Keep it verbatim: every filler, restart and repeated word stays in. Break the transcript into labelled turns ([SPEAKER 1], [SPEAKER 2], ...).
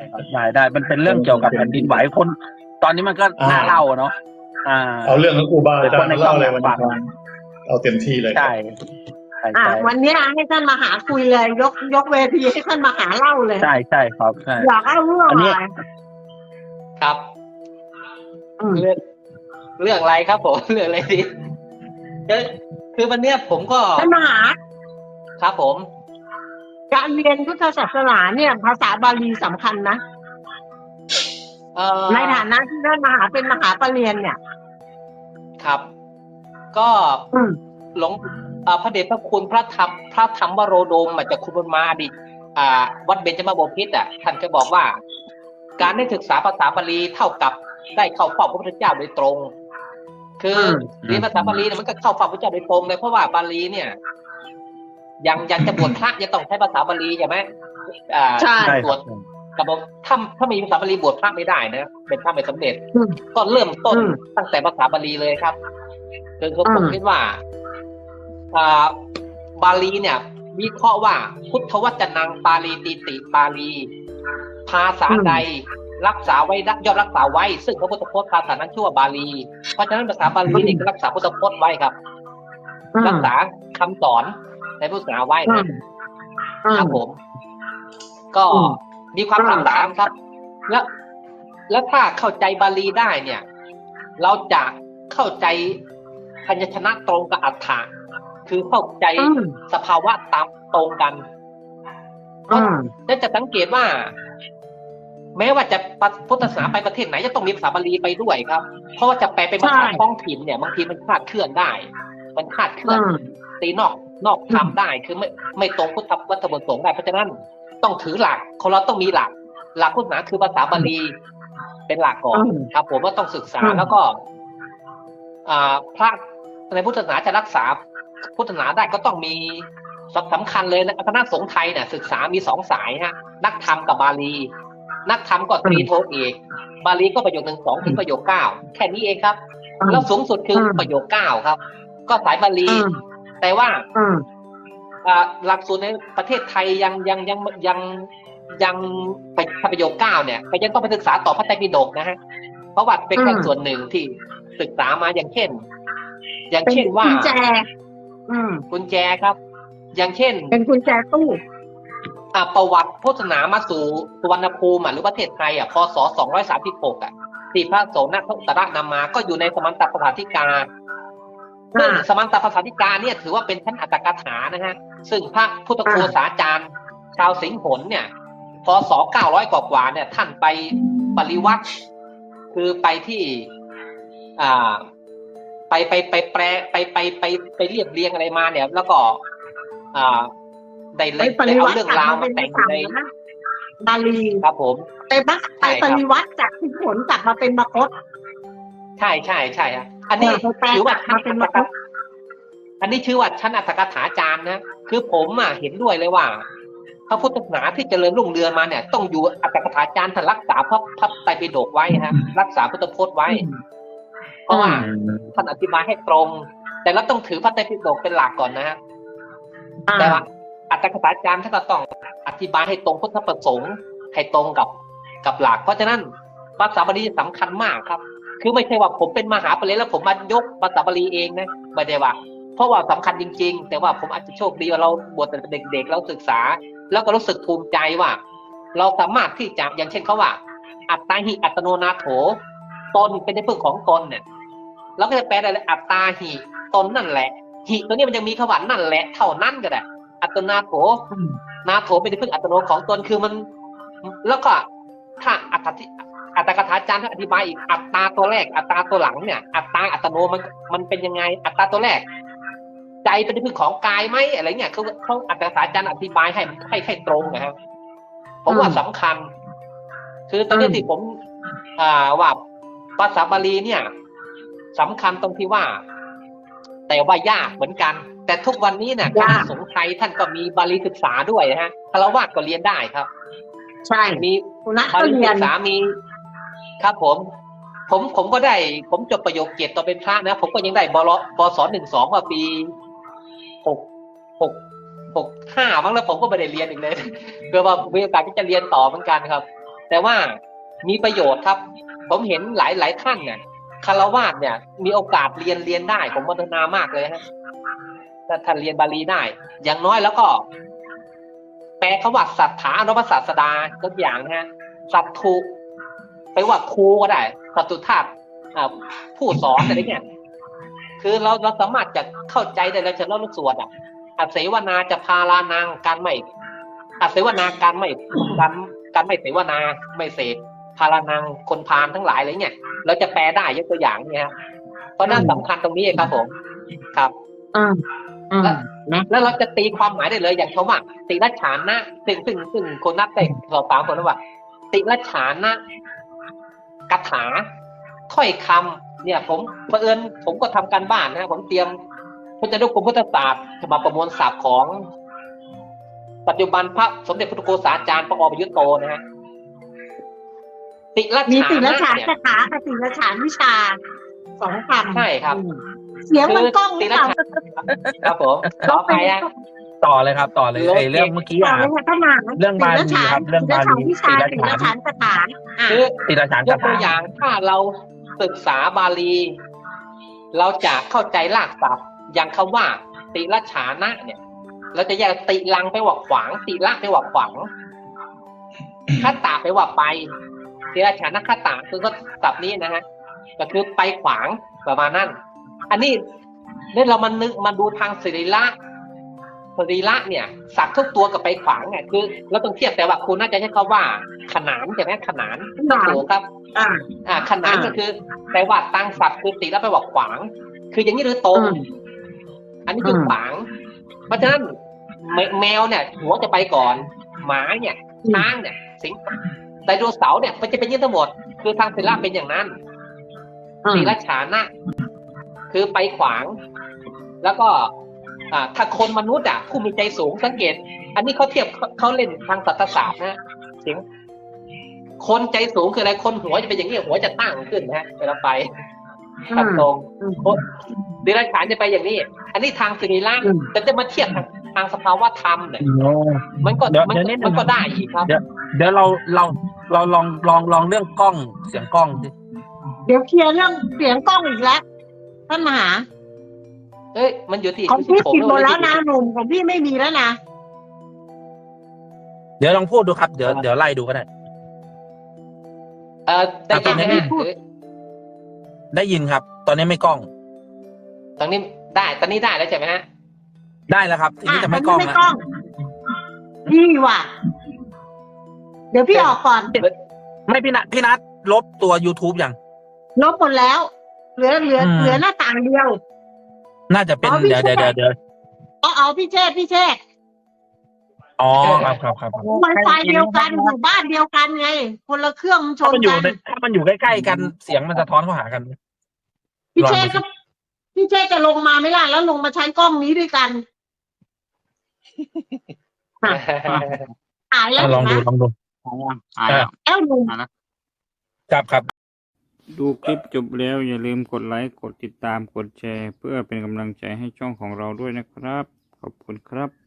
[SPEAKER 1] ได้ได้มันเป็นเรื่องเกี่ยวกับแผ่นดินไหวคนตอนนี้มันก็น่าเล่าเนาะอ่า
[SPEAKER 2] เอาเรื่องของครูบาอาจารย์มาเล่าเลยวันนี้เอาเต็มที่เลย
[SPEAKER 1] ใช่
[SPEAKER 3] อ่าวันนี้ให้ท่านมาหาคุยเลยยกยกเวทีให้ท่านมาหาเล่าเลย
[SPEAKER 1] ใช่ใช่ครับใช่
[SPEAKER 3] อยากเล่าเรื่องอะไร
[SPEAKER 4] ครับเรื่องเรื่องอะไรครับผมเรื่องอะไรดีคือวันเนี้ยผมก็
[SPEAKER 3] ท่านมหา
[SPEAKER 4] ครับผม
[SPEAKER 3] การเรียนพุทธศาสนาเนี่ยภาษาบาลีสำคัญนะในฐานะที่ท่านมหาเป็นมหาปรริญญาเนี่ย
[SPEAKER 4] ครับก็หลวงพระเดชพระคุณพระธรรมพระธรรมวโรดมมาจากคุณบุญมาอดีตวัดเบญจมาบพิตรอ่ะท่านก็บอกว่าการได้ศึกษาภาษาบาลีเท่ากับได้เข้าเฝ้าพระพุทธเจ้าโดยตรงคือเรียนภาษาบาลีเนี่ยมันก็เข้าเฝ้าพระพุทธเจ้าโดยตรงเลยเพราะว่าบาลีเนี่ยยังยังจะบวชพระยังต้องใช้ภาษาบาลีใช่ไหมอ่า
[SPEAKER 3] ใช่
[SPEAKER 4] บวชกับถ้าถ้ามีภาษาบาลีบวชพระไม่ได้นะเป็นพระไม่สำเร็จก็เริ่มต้นตั้งแต่ภาษาบาลีเลยครับคือผมคิดว่าอ่าบาลีเนี่ยวิเคราะห์ว่าพุทธวจนังปาลีติติปาลีภาษาใดรักษาไว้ย่อมรักษาไว้ซึ่งพระพุทธพจน์ภาษานั้นชื่อว่าบาลีเพราะฉะนั้นภาษาบาลีนี่ก็รักษาพุทธพจน์ไว้ครับรักษาคำสอนในพุทธศาสนาไว้นะครับผมก็มีความต่างครับแล้วแล้วถ้าเข้าใจบาลีได้เนี่ยเราจะเข้าใจพยัญชนะตรงกับอรรถะคือเข้าใจสภาวะตามตรงกันแล้วจะสังเกตว่าแม้ว่าจะพุทธศาสนาไปประเทศไหนจะต้องมีภาษาบาลีไปด้วยครับเพราะว่าจะแปลเป็นภาษาท้องถิ่นเนี่ยบางทีมันคลาดเคลื่อนได้มันคลาดเคลื่อนตีนอกนอกธรรมได้คือไม่ไม่ตรงพุทธวัตถุประสงค์ได้เพราะฉะนั้นต้องถือหลักของเราต้องมีหลักหลักพุทธศาสนาคือภาษาบาลีเป็นหลักก่อนครับผมว่าต้องศึกษาแล้วก็อ่าพระในพุทธศาสนาจะรักษาพุทธศาสนาได้ก็ต้องมีสำคัญเลยนะคณะสงฆ์ไทยเนี่ยศึกษามีสองสายฮะนักธรรมกับบาลีนักธรรมก็ตรีโทเอกบาลีก็ประโยคหนึ่งสองถึงประโยคเก้าแค่นี้เองครับแล้วสูงสุดคือประโยคเก้าครับก็สายบาลีแต่ว่าหลักสูตรในประเทศไทยยังยังยังยังยังไปประโยคเก้าเนี่ยก็ยังต้องไปศึกษาต่อพระไตรปิฎกนะฮะเพราะว่าเป็นแค่ส่วนหนึ่งที่ศึกษามาอย่างเช่นอย่างเช่นว่า
[SPEAKER 3] กุญแจ
[SPEAKER 4] กุญแจครับอย่างเช่น
[SPEAKER 3] เป็นกุญแจตู้
[SPEAKER 4] ประวัติพุทธศาสนามาสู่สุวรรณภูมิหรือประเทศไทยอ่ะพศสองร้อยสามสิบหกอ่ะที่พระโสนอุตระนำมาก็อยู่ในสมัตตภาษาธิกาซึ่งสมัตตภาษาธิกาเนี่ยถือว่าเป็นชั้นอัตถกถานะฮะซึ่งพระพุทธโฆษาจารย์ชาวสิงห์หนเนี่ยพศเก้าร้อยกว่าๆเนี่ยท่านไปปริวัติคือไปที่อ่าไปไปไปแปลไปไปไปไปเรียบเรียงอะไรมาเนี่ยแล้วก็อ่าได้เลยเอาเรื่องราวมาแต่งใน
[SPEAKER 3] บาลี
[SPEAKER 4] ครับผม
[SPEAKER 3] ไปบักไปปริวัติจากสิงห์หนกลับมาเป็นมคธ
[SPEAKER 4] ใช่ใช่ใช่ฮะอันนี้ถือว่าชั้นอัตถกถาอันนี้ชื่อว่าชั้นอัตถกถาจารย์นะคือผมอ่ะเห็นด้วยเลยว่าพระพุทธศาสนาที่เจริญรุ่งเรืองมาเนี่ยต้องอยู่อัตถกถาจารย์ท่านรักษาพระพระไตรปิฎกไว้ฮะรักษาพุทธพจน์ไว้เพราะว่าท่านอธิบายให้ตรงแต่เราต้องถือพระไตรปิฎกเป็นหลักก่อนนะฮะแต่ว่าอัตถกถาจารย์ท่านก็ต้องอธิบายให้ตรงพุทธประสงค์ให้ตรงกับกับหลักเพราะฉะนั้นภาษาบาลีสำคัญมากครับคือไม่ใช่ว่าผมเป็นมหาปรริญญาแล้วผมมายกภาษาบาลีเองนะไม่ได้ว่าเพราะว่าสำคัญจริงๆแต่ว่าผมอาจจะโชคดีว่าเราบวชแต่เด็กๆเราศึกษาแล้วก็รู้สึกภูมิใจว่าเราสามารถที่จะอย่างเช่นเขาว่าอัตตาหิอัตโนนาโถตนเป็นที่พึ่งของตนเนี่ยเราก็จะแปลได้เลยอัตตาหิตนนั่นแหละหิตัวนี้มันยังมีคำว่านั่นแหละเท่านั้นก็ได้อัตนาโถนาโถเป็นที่พึ่งอัตโนของตนคือมันแล้วก็ถ้าอัตถอัตถกถาจารย์ท่านอธิบายอีกอัตตาตัวแรกอัตตาตัวหลังเนี่ยอัตตาอัตโนมันมันเป็นยังไงอัตตาตัวแรกใจเป็นที่พึ่งของกายไหมอะไรเงี้ยเขาเขาอัตถกถาจารย์อธิบายให้ให้ให้ตรงนะครับผมว่าสำคัญคือตอนนี้ที่ผมอ่าว่าภาษาบาลีเนี่ยสำคัญตรงที่ว่าแต่ว่ายากเหมือนกันแต่ทุกวันนี้เนี่ยคณะสงฆ์ไทยท่านก็มีบาลีศึกษาด้วยนะฮะฆราวาสก็เรียนได้ครับ
[SPEAKER 3] ใช่
[SPEAKER 4] มีบาลีศึกษามีครับผมผมผมก็ได้ผมจบประโยคเกียรติตอนเป็นพระนะผมก็ยังได้บลปศหนึ่งสองมาปีหกหกหกห้ามั้งแล้วผมก็ไม่ได้เรียนอีกเลยเพื่อว่ามีโอกาสที่จะเรียนต่อเหมือนกันครับแต่ว่ามีประโยชน์ครับ ผมเห็นหลายหลายท่านเนี่ยคารวาสเนี่ย มีโอกาสเรียนเรียนได้ผมพัฒนามากเลยฮะถ้าท่านเรียนบาลีได้ อย่างน้อยแล้วก็ แปลคำว่าสัทธาอนุปศาสดาตัวอย่างนะฮะสัตถุไปว่าครูก็ได้สัตตุธาตุผู้สอนอะไรเนี่ยคือเราเราสามารถจะเข้าใจได้แล้วจะเล่าลูกสวดอ่ะอาเสวนาจะพาลานางการไม่อาเสวนาการไม่การการไม่เสวนาไม่เสพพาลานางคนพาลทั้งหลายอะไรเนี่ยเราจะแปลได้ยกตัวอย่างเนี่ยเพราะนั่นสำคัญตรงนี้ครับผมครับ
[SPEAKER 3] อืมอืม
[SPEAKER 4] แล้วเราจะตีความหมายได้เลยอย่างคำว่าติรัจฉานะซึ่งซึ่งซึ่งคนนักเตะสอบถามคนว่าติรัจฉานะคาถาถ้อยคำเนี่ยผมเผอิญผมก็ทำการบ้านนะผมเตรียมพจนานุกรมพุทธศาสตร์ฉบับประมวลศัพท์ของ ปัจจุบันพระสมเด็จพระพุทธโฆษาจารย์พระอประยุตโตนะฮะติรัจ
[SPEAKER 3] มี
[SPEAKER 4] ฉา
[SPEAKER 3] ติละ
[SPEAKER 4] นะ
[SPEAKER 3] ฉาน
[SPEAKER 4] เนี่ย
[SPEAKER 3] คาถากับติละฉานวิชาสองคำ
[SPEAKER 4] ใช่ครับ
[SPEAKER 3] เสียงมันกล้องห
[SPEAKER 4] ติ
[SPEAKER 3] รือ
[SPEAKER 4] รั
[SPEAKER 3] เป
[SPEAKER 4] จ
[SPEAKER 3] ล่า
[SPEAKER 4] ฉาครับผมขออภัยอ่ะ
[SPEAKER 1] ต่อเลยครับ ต่อเลยไอ้เรื่องเมื่อกี้
[SPEAKER 3] ต่อ
[SPEAKER 1] อ่ะ
[SPEAKER 3] เลยค่ะท่านมา
[SPEAKER 1] เรื่องบาลีครับเรื่องบาลี
[SPEAKER 3] วิชา
[SPEAKER 1] ติละ
[SPEAKER 3] ติ
[SPEAKER 1] ฉาน
[SPEAKER 3] ละฉานคาถาอ่ะ
[SPEAKER 4] คือ
[SPEAKER 1] ติดอาจารย์
[SPEAKER 4] ย
[SPEAKER 1] คาก
[SPEAKER 4] ตัว
[SPEAKER 1] ถา
[SPEAKER 4] อย่างถ้าเราศึกษาบาลี เราจะเข้าใจรากศัพท์อย่างคำว่า ติละฉานะเนี่ย เราจะแยกติลังไปว่าขวางติละไปว่าขวางคตาไปว่าไปติละฉานะคตาคือก็ศัพท์นี้นะฮะก็คือไปขวางประมาณนั้นอันนี้เนี่ยเรามานึกมาดูทางสรีระสรีระเนี่ยสัตว์ทุกตัวกับไปขวางไงคือเราต้องเทียบแต่ว่าคุณน่าจะใช้คำว่าขนานใช่ไหมขนานต้องถูกครับ
[SPEAKER 3] อ่า
[SPEAKER 4] อ่าขนาน
[SPEAKER 3] อ่า
[SPEAKER 4] ก็คือแปลว่าตั้งศัพท์คือติแล้วไปบอกขวาง คืออย่างนี้หรือตรง
[SPEAKER 3] อืม
[SPEAKER 4] อันนี้คือขวาง เพราะฉะนั้นแมแมวเนี่ยหัวจะไปก่อน หมาเนี่ยช้างเนี่ย สิงไดโนเสาร์เนี่ยมันจะเป็นอยี่ทั้งหมด คือทางศิลปะเป็นอย่างนั้นศิลฉานะ คือไปขวาง แล้วก็อ่าถ้าคนมนุษย์อ่ะผู้มีใจสูงสังเกต อันนี้เขาเทียบเขาเขาเล่นทางศาสตรศาสตร์นะเสียงคนใจสูงคืออะไรคนหัวจะเป็นอย่างนี้หัวจะตั้งขึ้นนะฮะเวลาไปตัดตรงดิรัจฉานจะไปอย่างนี้ อันนี้ทางสิริราชแต่จะมาเทียบทางทางสภาวะธรรมเนี่ยมันก็
[SPEAKER 1] เดี๋ยว
[SPEAKER 4] มัน
[SPEAKER 1] เดี๋ยวนิดนึง
[SPEAKER 4] มันก็ได้อีกครับ
[SPEAKER 1] เดี๋ยวเดี๋ยวเราเราเราลองลองลองเรื่องกล้องเสียงกล้องสิ
[SPEAKER 3] เดี๋ยวเคลียร์เรื่องเสียงกล้องอีกแล้วท่านมหา
[SPEAKER 4] เอ้ยมันอยู่ที่
[SPEAKER 3] ของพี่
[SPEAKER 4] ผม
[SPEAKER 3] ปิดหมดแล้วนะ
[SPEAKER 4] เย
[SPEAKER 3] หนุ่มของพี่ไม่มีแล้วนะ
[SPEAKER 1] เดี๋ยวลองพูดดูครับเดี๋ยวเดี๋ยวไล่ดูก็ได้
[SPEAKER 4] เออได้ยินไหม
[SPEAKER 1] อ่ะ
[SPEAKER 4] ฮะ
[SPEAKER 3] พูด
[SPEAKER 4] หรือ
[SPEAKER 1] ได้ยินครับ ตอนนี้ไม่กล้อง
[SPEAKER 4] ตอนนี้ได้ตอนนี้ได้แล้วใช่ไหมฮะ
[SPEAKER 1] ได้แล้วครับ ทีนี้จะไม่ก
[SPEAKER 3] ล้
[SPEAKER 1] ล้อง
[SPEAKER 3] ไม่
[SPEAKER 1] แล้ว
[SPEAKER 3] กล้องพี่ว่ะ เดี๋ยวพี่ออกก่อน
[SPEAKER 1] ไม่พี่นัทพี่นัทลบตัว YouTube ยัง
[SPEAKER 3] ลบหมดแล้ว เหลือเหลือ
[SPEAKER 1] อืม
[SPEAKER 3] เหลือหน้าต่างเดียว
[SPEAKER 1] น่าจะเป็น
[SPEAKER 3] อ๋อพี่
[SPEAKER 1] เดี๋ยว
[SPEAKER 3] เช
[SPEAKER 1] เดี๋ยว
[SPEAKER 3] ษ
[SPEAKER 1] เดี๋ยวเดี๋ยว
[SPEAKER 3] อ๋อเอาพี่เชษพี่เชษ
[SPEAKER 1] อ๋อครับครับครับ
[SPEAKER 3] ไวไฟเดียวกันอยู่บ้านเดียวกันไง คนละเครื่องมันช
[SPEAKER 1] ถ้าน มันอยู่
[SPEAKER 3] กัน
[SPEAKER 1] ในถ้ามันอยู่ใกล้ๆกันเสียงมันสะท้อนเข้าหากัน
[SPEAKER 3] พี่
[SPEAKER 1] ลอง
[SPEAKER 3] เช
[SPEAKER 1] ดู
[SPEAKER 3] ษ
[SPEAKER 1] สิ
[SPEAKER 3] ก็พี่เชษจะลงมาไหม่ล่ะแล้วลงมาใช้กล้องนี้ด้วยกันหายแล้ว
[SPEAKER 1] อ่ะลอง
[SPEAKER 3] เห็นไหม
[SPEAKER 1] ดูลองดู
[SPEAKER 5] หายแล้ว
[SPEAKER 3] แอ้วหนุ่ม
[SPEAKER 1] ครับครับ
[SPEAKER 5] ดูคลิปจบแล้วอย่าลืมกดไลค์ กดติดตาม กดแชร์ เพื่อเป็นกำลังใจให้ช่องของเราด้วยนะครับ ขอบคุณครับ